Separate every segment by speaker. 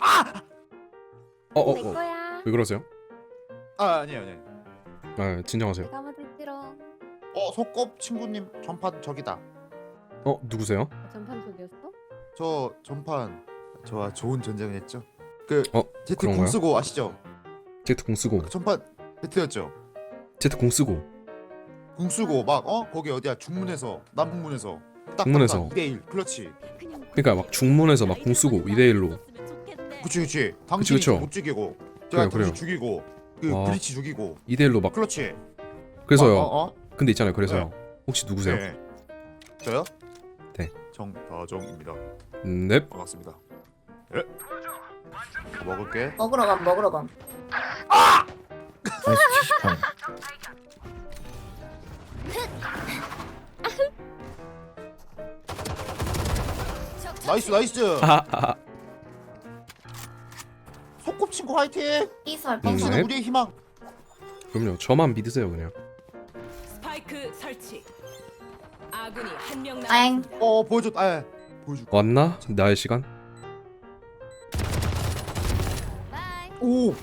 Speaker 1: 내 거야.
Speaker 2: 왜 그러세요?
Speaker 3: 아니에요.
Speaker 2: 아 진정하세요.
Speaker 1: 내가 먼저 싫어.
Speaker 3: 속꼽 친구님 전판 저기다.
Speaker 2: 누구세요?
Speaker 1: 전판 속이었어?
Speaker 3: 저 전판 저와 좋은 전쟁을 했죠. 그 제트
Speaker 2: 그런가요?
Speaker 3: 공 쓰고 아시죠?
Speaker 2: 제트 공 쓰고
Speaker 3: 그 전판 배트였죠.
Speaker 2: 제트 공 쓰고
Speaker 3: 공 쓰고 막 거기 어디야 중문에서 남북문에서
Speaker 2: 중문에서.
Speaker 3: 2대1 클러치.
Speaker 2: 그러니까 막 중문에서 막 공 쓰고 2대1로
Speaker 3: 그치. 당신이
Speaker 2: 그쵸.
Speaker 3: 못 죽이고 제가
Speaker 2: 그래요.
Speaker 3: 당신 죽이고 그
Speaker 2: 와.
Speaker 3: 브리치 죽이고
Speaker 2: 2대1로 막
Speaker 3: 클러치.
Speaker 2: 그래서요. 근데 있잖아요. 그래서요. 혹시 누구세요?
Speaker 3: 네. 저요?
Speaker 2: 네.
Speaker 3: 정다정입니다.
Speaker 2: 넵.
Speaker 3: 반갑습니다. 예. 먹을게.
Speaker 4: 먹으러 감.
Speaker 5: 나이스 78.
Speaker 3: 나이스.
Speaker 2: 아하하.
Speaker 3: 속꼽 친구 화이팅.
Speaker 4: 이설
Speaker 3: 당신은
Speaker 2: 네.
Speaker 3: 우리의 희망.
Speaker 2: 그럼요. 저만 믿으세요 그냥.
Speaker 6: 스파이크 설치. 아군이 한 명
Speaker 4: 엥.
Speaker 6: 남았습니다.
Speaker 3: 보여줘. 보여줘.
Speaker 2: 왔나? 나의 시간?
Speaker 3: 오.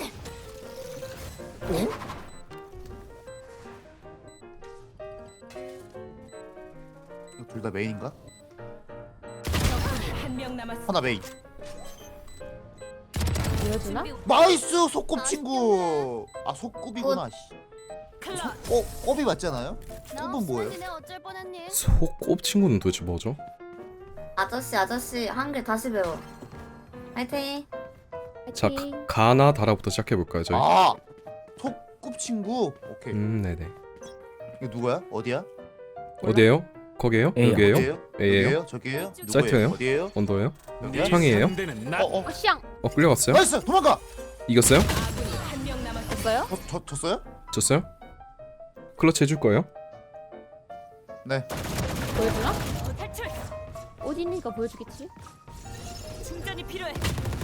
Speaker 3: 둘 다 메인인가?
Speaker 6: 적군이 한 명 남았습니다.
Speaker 3: 하나 메인.
Speaker 1: 보여주나?
Speaker 3: 나이스 속꼽 친구. 속꼽이구나.
Speaker 6: 클럽.
Speaker 3: 꼽이 맞잖아요? 꼽은 뭐예요?
Speaker 1: 어쩔 뻔했니?
Speaker 2: 소꼽 친구는 도대체 뭐죠?
Speaker 4: 아저씨 한글 다시 배워. 화이팅.
Speaker 2: 자
Speaker 1: 파이팅.
Speaker 2: 가나 다라부터 시작해 볼까요 저희?
Speaker 3: 속꼽 친구. 오케이.
Speaker 2: 네네.
Speaker 3: 이거 누구야? 어디야?
Speaker 2: 어디에요? 거기에요?
Speaker 5: A요.
Speaker 2: 여기에요?
Speaker 3: 어디예요?
Speaker 2: A예요?
Speaker 3: 여기예요? 저기예요? 누구예요?
Speaker 2: 사이트예요?
Speaker 3: 어디예요?
Speaker 2: 언더예요?
Speaker 3: 여기야?
Speaker 2: 창이에요?
Speaker 1: 샹.
Speaker 2: 끌려갔어요?
Speaker 3: 나이스 도망가.
Speaker 2: 이겼어요?
Speaker 6: 아군이 한 명 남았습니다.
Speaker 1: 됐어요?
Speaker 3: 졌어요?
Speaker 2: 졌어요? 클러치 해줄 거예요?
Speaker 3: 네.
Speaker 1: 보여주나?
Speaker 6: 탈출.
Speaker 1: 어디 있니까 보여주겠지?
Speaker 6: 충전이 필요해.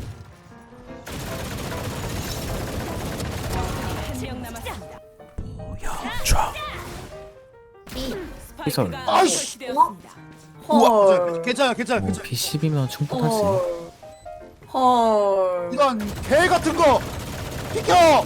Speaker 6: 한 명 남았습니다.
Speaker 4: B.
Speaker 5: 이설.
Speaker 6: 스파이크가
Speaker 3: 아이씨.
Speaker 6: 설치되었습니다.
Speaker 4: 헐.
Speaker 3: 괜찮아.
Speaker 5: 뭐 P10이면 충분할 수 있어.
Speaker 4: 헐.
Speaker 3: 이런 개 같은 거 비켜.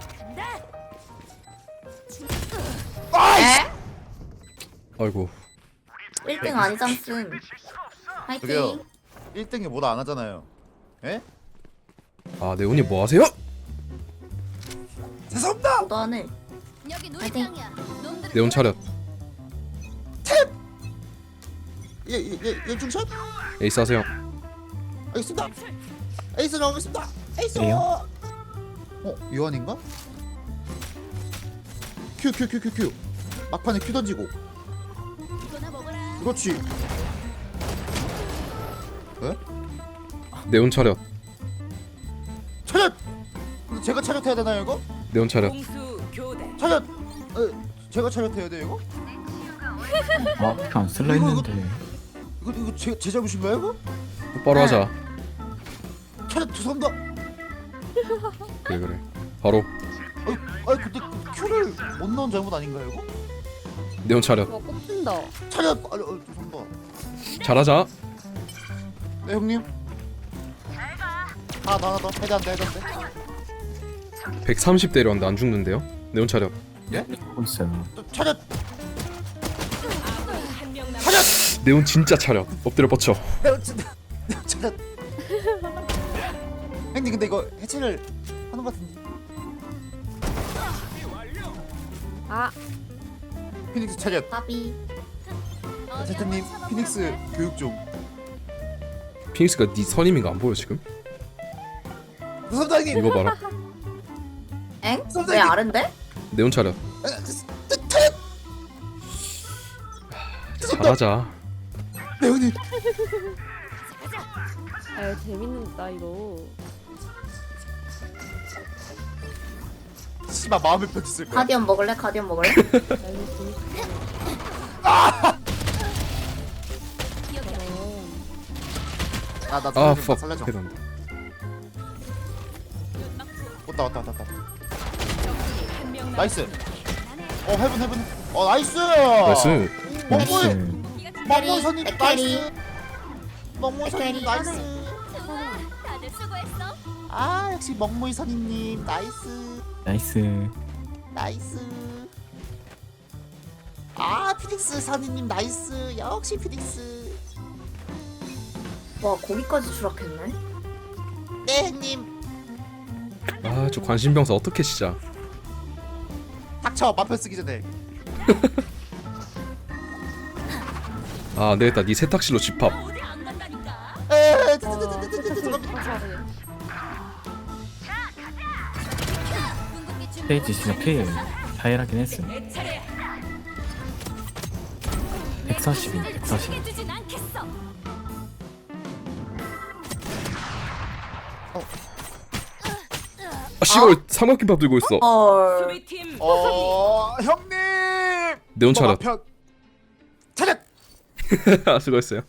Speaker 4: 에?
Speaker 2: 아이고
Speaker 4: 1등 아니잖음.
Speaker 3: 저기요.
Speaker 4: 화이팅.
Speaker 3: 1등이 뭐다 안 하잖아요. 예?
Speaker 2: 아 네온이 뭐 하세요?
Speaker 3: 죄송합니다.
Speaker 4: 너도 하늘.
Speaker 1: 여기
Speaker 4: 파이팅.
Speaker 2: 네온 차렷
Speaker 3: 예 중샷?
Speaker 2: 에이스 하세요.
Speaker 3: 알겠습니다. 에이스 나오겠습니다. 에이스.
Speaker 5: A요?
Speaker 3: 유한인가? 큐. 막판에 큐 던지고. 그렇지.
Speaker 2: 네온 차렷
Speaker 3: 차렷. 근데 제가 차렷해야 되나요 이거?
Speaker 2: 네온 차렷
Speaker 6: 공수 교대.
Speaker 3: 차렷. 제가 차렷해야 돼 이거?
Speaker 5: 안 쓸라
Speaker 3: 이거-
Speaker 5: 했는데.
Speaker 3: 이거 제 잘못인가요 이거?
Speaker 2: 똑바로 하자.
Speaker 3: 차렷 죄송합니다.
Speaker 2: 그래 바로
Speaker 3: 근데 큐를 못 넣은 잘못 아닌가요 이거?
Speaker 2: 네온 차렷
Speaker 1: 와 꼽힌다.
Speaker 3: 차렷. 죄송합니다.
Speaker 2: 잘하자.
Speaker 3: 네 형님. 하나 더. 해도 안 돼.
Speaker 2: 130 때렸는데 안 죽는데요? 네온 차렷
Speaker 5: 하고 있어요.
Speaker 3: 차렷.
Speaker 6: 아군이 한 명 남았습니다.
Speaker 3: 차렷.
Speaker 2: 네온 진짜 차렷 엎드려 뻗쳐.
Speaker 3: 차렷. 형님 근데 이거 해체를 하는 것 같은데.
Speaker 1: 아
Speaker 3: 피닉스 차렷.
Speaker 4: 바비.
Speaker 3: 제트님 피닉스 교육 좀.
Speaker 2: 피닉스가 네 선임인 거 안 보여 지금?
Speaker 3: 무섭다 형님.
Speaker 2: 이거 봐라.
Speaker 4: 엥? 왜 아른데?
Speaker 2: 네온 차렷 잘하자.
Speaker 3: 네 형님.
Speaker 1: 아유 재밌는다 이거.
Speaker 3: 씨발 마음의 편지 쓸 거야.
Speaker 4: 가디언 먹을래? 가디언 먹을래?
Speaker 1: 아유 재밌다.
Speaker 3: 나
Speaker 2: 아
Speaker 3: 살려줘.
Speaker 2: 퍽
Speaker 3: 살려줘.
Speaker 2: 해단다.
Speaker 3: 왔다.
Speaker 6: 적군이 한 명
Speaker 3: 나이스.
Speaker 6: 남았습니다.
Speaker 3: 헤븐. 나이스.
Speaker 2: 나이스.
Speaker 3: 멍멍이.
Speaker 5: 나이스.
Speaker 3: 멍멍이 선님
Speaker 4: 백캐리.
Speaker 3: 나이스. 멍멍이 선님
Speaker 4: 백캐리.
Speaker 3: 나이스.
Speaker 6: 다들 수고했어.
Speaker 3: 아 역시 먹무이 선임님 나이스
Speaker 5: 나이스.
Speaker 3: 나이스. 아 피닉스 선임님 나이스 역시 피닉스.
Speaker 4: 와 거기까지 추락했네.
Speaker 3: 네 형님.
Speaker 2: 아 저 관심병사 어떻게 진짜.
Speaker 3: 닥쳐 마표 쓰기 전에.
Speaker 2: 아 안되겠다. 네 세탁실로 집합.
Speaker 6: 어디 안 간다니까.
Speaker 3: 에
Speaker 5: 스테이지 진짜 필. 다이라긴 했음.
Speaker 6: 내 차례야.
Speaker 5: 142, 140.
Speaker 6: 해주진 않겠어.
Speaker 2: 아 씨발 삼각김밥 들고 있어.
Speaker 4: 헐.
Speaker 6: 수비팀
Speaker 3: 형님.
Speaker 2: 네온 차렷.
Speaker 3: 마표 차렷.
Speaker 2: 수고했어요.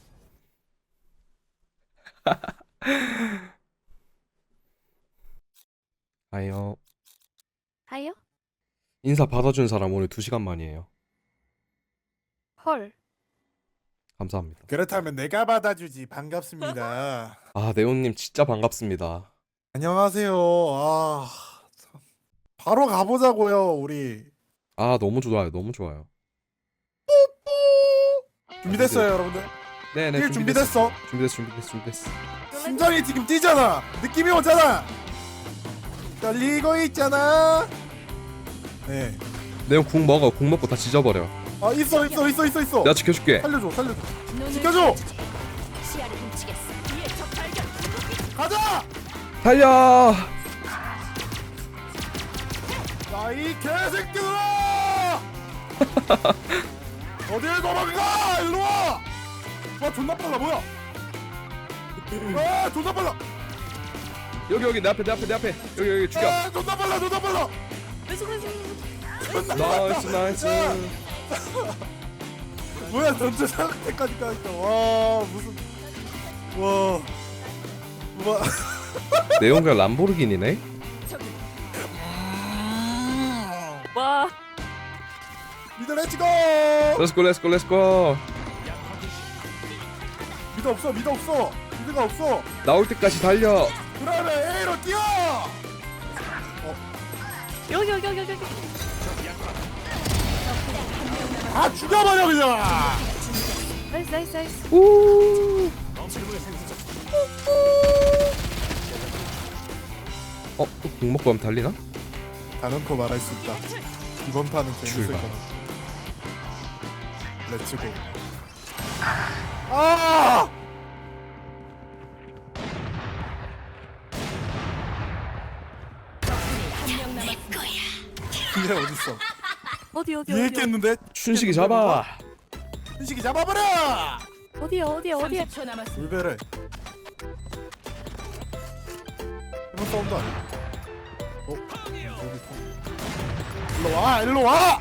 Speaker 2: 아요.
Speaker 1: 하요?
Speaker 2: 인사 받아준 사람 오늘 2시간 만이에요.
Speaker 1: 헐.
Speaker 2: 감사합니다.
Speaker 7: 그렇다면 내가 받아주지. 반갑습니다.
Speaker 2: 아 네온님 진짜 반갑습니다.
Speaker 7: 안녕하세요. 아, 참. 바로 가보자고요, 우리.
Speaker 2: 아 너무 좋아요. 너무 좋아요.
Speaker 7: 준비됐어요, 여러분들.
Speaker 2: 네네
Speaker 7: 일 준비됐어.
Speaker 2: 준비됐어.
Speaker 7: 심장이 지금 뛰잖아. 느낌이 오잖아. 떨리고 있잖아. 네.
Speaker 2: 네온 궁 먹어. 궁 먹고 다 지져버려.
Speaker 7: 아 있어.
Speaker 2: 내가 지켜줄게.
Speaker 7: 살려줘.
Speaker 6: 눈을
Speaker 7: 지켜줘.
Speaker 6: 주지. 시야를 훔치겠어. 뒤에 적 발견.
Speaker 7: 가자.
Speaker 2: 달려.
Speaker 7: 야이 개새끼들아. 어딜 도망가? 일로 와. 와 존나 빨라 뭐야? 아 존나 빨라.
Speaker 2: 여기 내 앞에. 여기 죽여.
Speaker 7: 아 존나 빨라.
Speaker 2: 나이스.
Speaker 7: 뭐야 전체 상태까지 까니까 와 무슨 와
Speaker 2: 네온 그냥 람보르기니네.
Speaker 1: 와.
Speaker 7: 미드 렛츠고.
Speaker 2: 렛츠고.
Speaker 7: 미드 없어 미드가 없어.
Speaker 2: 나올 때까지 달려.
Speaker 7: 그러면 A로 뛰어.
Speaker 1: 여기.
Speaker 7: 아 죽여버려 그냥.
Speaker 1: 나이스.
Speaker 2: 우. 또궁 먹고 하면 달리나?
Speaker 7: 단언코 말할 수 있다. 이번 판은 재밌을
Speaker 2: 출발.
Speaker 7: 거다. 렛츠고. 아!
Speaker 6: 한명 남았습니다.
Speaker 7: 근데 어딨어?
Speaker 1: 어디.
Speaker 7: 위에 있겠는데?
Speaker 2: 춘식이 잡아.
Speaker 7: 춘식이 잡아버려!
Speaker 1: 어디야.
Speaker 6: 30초 남았습니다.
Speaker 7: 울베를. 이번 싸움도 아니야. 여기 있어. 일로 와!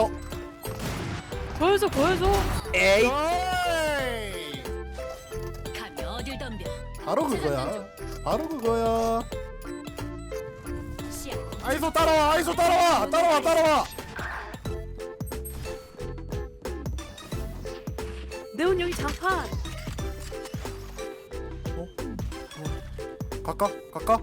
Speaker 1: 보여줘.
Speaker 7: 에이!
Speaker 6: 감히 어딜 덤벼.
Speaker 7: 바로 그거야.
Speaker 6: 시야.
Speaker 7: 아이소 따라와!
Speaker 1: 네온 여기 장판.
Speaker 7: 갈까?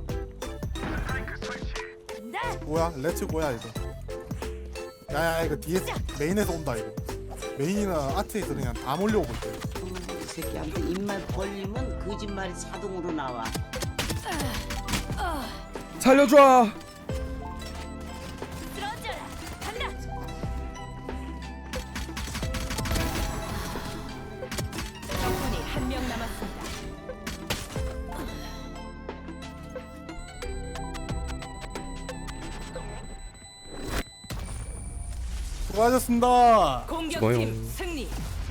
Speaker 6: 나
Speaker 7: 뭐야? 렛츠고야 이거. 야야 이거 뒤에 메인에서 온다 이거. 메인이나 아트에서 그냥 다 몰려오고 있대.
Speaker 8: 이 새끼한테 입만 벌리면 거짓말이 자동으로 나와.
Speaker 2: 살려줘.
Speaker 6: 쓰러져라. 간다. 적군이 한명 남았습니다.
Speaker 7: 수고하셨습니다.
Speaker 6: 공격팀
Speaker 2: 수고요.
Speaker 6: 승리.